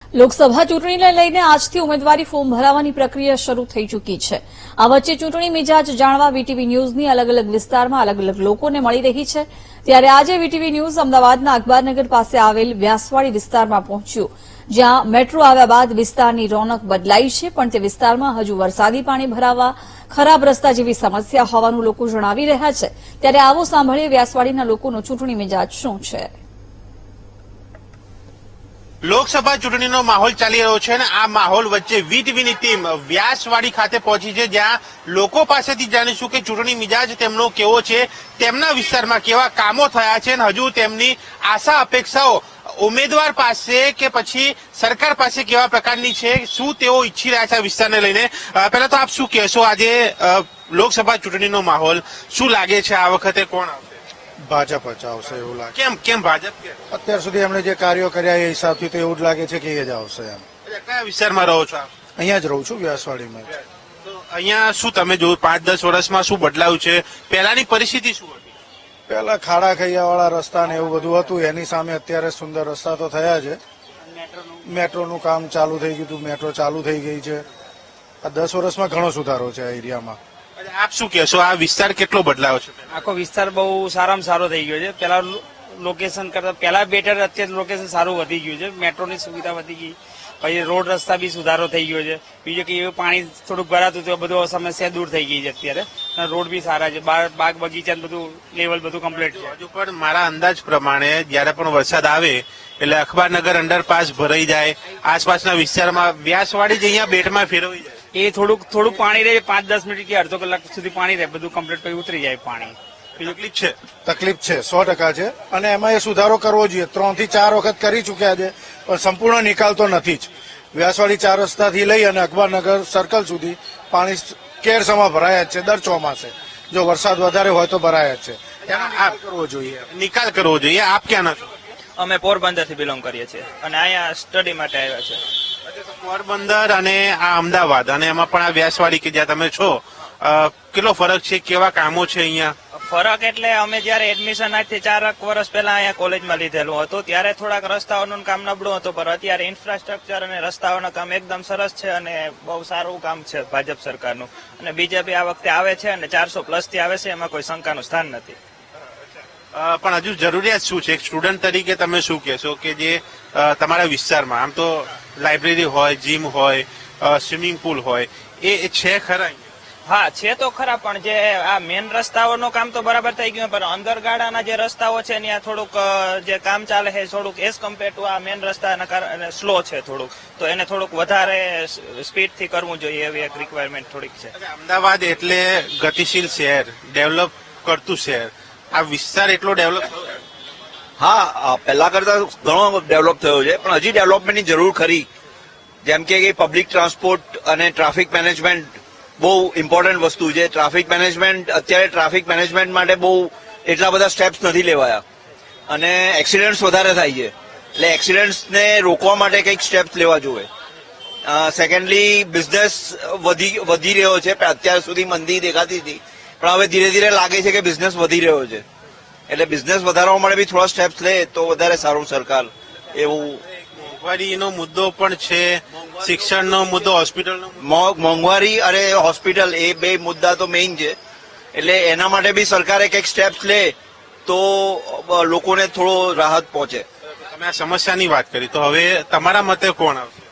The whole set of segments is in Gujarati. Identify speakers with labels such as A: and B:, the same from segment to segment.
A: લોકસભા ચૂંટણીને લઈને આજથી ઉમેદવારી ફોર્મ ભરાવાની પ્રક્રિયા શરૂ થઈ ચૂકી છે। આ વચ્ચે ચૂંટણી મિજાજ જાણવા વીટીવી ન્યૂઝની અલગ અલગ વિસ્તારમાં અલગ અલગ લોકોને મળી રહી છે। ત્યારે આજે વીટીવી ન્યૂઝ અમદાવાદના અકબરનગર પાસે આવેલ વ્યાસવાડી વિસ્તારમાં પહોંચ્યું, જ્યાં મેટ્રો આવ્યા બાદ વિસ્તારની રોનક બદલાઈ છે, પણ તે વિસ્તારમાં હજુ વરસાદી પાણી ભરાવા, ખરાબ રસ્તા જેવી સમસ્યા હોવાનું લોકો જણાવી રહ્યા છે। ત્યારે આવો સાંભળીએ વ્યાસવાડીના લોકોનો ચૂંટણી મિજાજ શું છે।
B: લોકસભા ચૂંટણીનો માહોલ ચાલી રહ્યો છે અને આ માહોલ વચ્ચે વીટીવીની ટીમ વ્યાસવાડી ખાતે પહોંચી છે, જ્યાં લોકો પાસેથી જાણીશું કે ચૂંટણી મિજાજ તેમનો કેવો છે, તેમના વિસ્તારમાં કેવા કામો થયા છે અને હજુ તેમની આશા અપેક્ષાઓ ઉમેદવાર પાસે કે પછી સરકાર પાસે કેવા પ્રકારની છે, શું તેઓ ઈચ્છી રહ્યા છે આ વિસ્તારને લઈને। પહેલા તો આપ શું કહેશો, આજે લોકસભા ચૂંટણીનો માહોલ શું લાગે છે, આ વખતે કોણ આવશે?
C: ભાજપ જ આવશે એવું લાગે।
B: કેમ ભાજપ?
C: અત્યાર સુધી એમણે જે કાર્યો કર્યા એ હિસાબથી તો એવું જ લાગે છે કે એ જ આવશે એમ।
B: કયા વિસ્તારમાં રહો છો આપ?
C: અહીંયા જ રહું છું, વ્યાસવાડીમાં જ।
B: તો અહીંયા શું તમે જોયું 5-10 વર્ષમાં શું બદલાવ છે? પહેલાની પરિસ્થિતિ શું હતી?
C: પેલા ખાડા ખૈયાવાળા રસ્તા ને એવું બધું હતું, એની સામે અત્યારે સુંદર રસ્તા તો થયા છે। મેટ્રોનું કામ ચાલુ થઈ ગયું હતું, મેટ્રો ચાલુ થઈ ગઈ છે। આ 10 વર્ષમાં ઘણો સુધારો છે આ એરિયામાં।
B: આપ શું કહેશો, આ વિસ્તાર કેટલો બદલાયો છે?
D: આખો વિસ્તાર બહુ સારામાં સારો થઈ ગયો છે। પેલા લોકેશન કરતા પેલા બેટર, અત્યારે લોકેશન સારું વધી ગયું છે, મેટ્રોની સુવિધા વધી ગઈ, પછી રોડ રસ્તા બી સુધારો થઈ ગયો છે। બીજું કે એવું પાણી થોડુંક ભરાતું હતું, બધું સમસ્યા દૂર થઈ ગઈ છે અત્યારે, રોડ બી સારા છે, બાગ બગીચા બધું લેવલ બધું કમ્પ્લીટ છે।
B: હજુ પણ મારા અંદાજ પ્રમાણે જયારે પણ વરસાદ આવે એટલે અખબારનગર અંડરપાસ ભરાઈ જાય, આસપાસના વિસ્તારમાં વ્યાસવાડી જ અહીંયા બેટમાં ફેરવાઈ જાય,
D: એ થોડુંક પાણી રહે, 5-10 મિનિટ કે અડધો કલાક સુધી પાણી રહે, બધું કમ્પ્લીટ પછી ઉતરી જાય પાણી।
B: તકલીફ છે?
C: તકલીફ છે, 100% છે, અને એમાં એ સુધારો કરવો જોઈએ। 3 થી 4 વખત કરી ચૂક્યા છે, પણ સંપૂર્ણ નિકાલ તો નથી જ। વ્યાસવાડી 4 રસ્તાથી લઈ અને અકબરનગર સર્કલ સુધી પાણી કેરસમાં ભરાયા જ છે દર ચોમાસે। જો વરસાદ વધારે હોય તો ભરાયા જ છે, એનો નિકાલ કરવો જોઈએ।
B: નિકાલ કરવો જોઈએ। આપ ક્યાં છો?
E: અમે પોરબંદર થી બિલોંગ કરીએ છીએ અને અહીંયા સ્ટડી માટે આવ્યા છે।
B: પોરબંદર અને આ અમદાવાદ અને એમાં પણ આ વ્યાસવાડી કે જ્યાં તમે છો, કેટલો ફરક છે, કેવા કામો છે અહીંયા?
E: ફરક એટલે અમે જયારે એડમિશન આજથી 4 વર્ષ પહેલા અહીંયા કોલેજમાં લીધેલું હતું, ત્યારે થોડાક રસ્તાઓનું કામ નબળું હતું, પણ અત્યારે ઇન્ફ્રાસ્ટ્રક્ચર અને રસ્તાઓનું કામ એકદમ સરસ છે અને બહુ સારું કામ છે ભાજપ સરકારનું। અને બીજેપી આ વખતે આવે છે અને 400+ થી આવે છે, એમાં કોઈ શંકાનું સ્થાન નથી।
B: પણ હજુ જરૂરિયાત શું છે? એક સ્ટુડન્ટ તરીકે તમે શું કહેશો કે જે તમારા વિસ્તારમાં આમ તો લાઇબ્રેરી હોય, જીમ હોય, સ્વિમિંગ પુલ હોય, એ છે ખરા?
E: હા છે તો ખરા, પણ જે આ મેન રસ્તાઓનું કામ તો બરાબર થઈ ગયું, પણ અંદરગાળાના જે રસ્તાઓ છે ત્યાં થોડુંક જે કામ ચાલે છે થોડુંક એઝ કમ્પેર ટુ આ મેન રસ્તાના કારણે સ્લો છે થોડુંક, તો એને થોડુંક વધારે સ્પીડથી કરવું જોઈએ એવી એક રિક્વાયરમેન્ટ થોડીક છે।
B: અમદાવાદ એટલે ગતિશીલ શહેર, ડેવલપ કરતું શહેર, આ વિસ્તાર એટલો ડેવલપ?
F: હા, પહેલા કરતા ઘણો ડેવલપ થયો છે, પણ હજી ડેવલપમેન્ટની જરૂર ખરી। જેમ કે પબ્લિક ટ્રાન્સપોર્ટ અને ટ્રાફિક મેનેજમેન્ટ બહુ ઇમ્પોર્ટન્ટ વસ્તુ છે। ટ્રાફિક મેનેજમેન્ટ, અત્યારે ટ્રાફિક મેનેજમેન્ટ માટે બહુ એટલા બધા સ્ટેપ્સ નથી લેવાયા અને એક્સિડન્ટ્સ વધારે થાય છે, એટલે એક્સિડન્ટ્સને રોકવા માટે કંઈક સ્ટેપ્સ લેવા જોઈએ। સેકન્ડલી, બિઝનેસ વધી રહ્યો છે, અત્યાર સુધી મંદી દેખાતી હતી, પણ હવે ધીરે ધીરે લાગે છે કે બિઝનેસ વધી રહ્યો છે, એટલે બિઝનેસ વધારવા માટે બી થોડા સ્ટેપ્સ લે તો વધારે સારું સરકાર એવું।
B: મોંઘવારીનો મુદ્દો પણ છે, શિક્ષણનો મુદ્દો, હોસ્પિટલનો
F: મોંઘવારી અને હોસ્પિટલ, એ બે મુદ્દા તો મેઇન છે, એટલે એના માટે બી સરકારે કંઈક સ્ટેપ્સ લે તો લોકોને થોડો રાહત પહોંચે।
B: તમે આ સમસ્યાની વાત કરી, તો હવે તમારા મતે કોણ આવશે?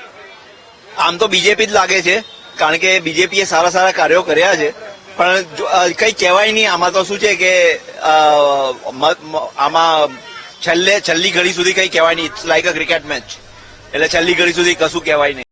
F: આમ તો બીજેપી જ લાગે છે, કારણ કે બીજેપીએ સારા સારા કાર્યો કર્યા છે, પણ કઈ કહેવાય નહીં। આમાં તો શું છે કે આમાં છેલ્લી ઘડી સુધી કઈ કહેવાય નહીં, it's like a cricket match, એટલે છેલ્લી ઘડી સુધી કશું કહેવાય નહીં।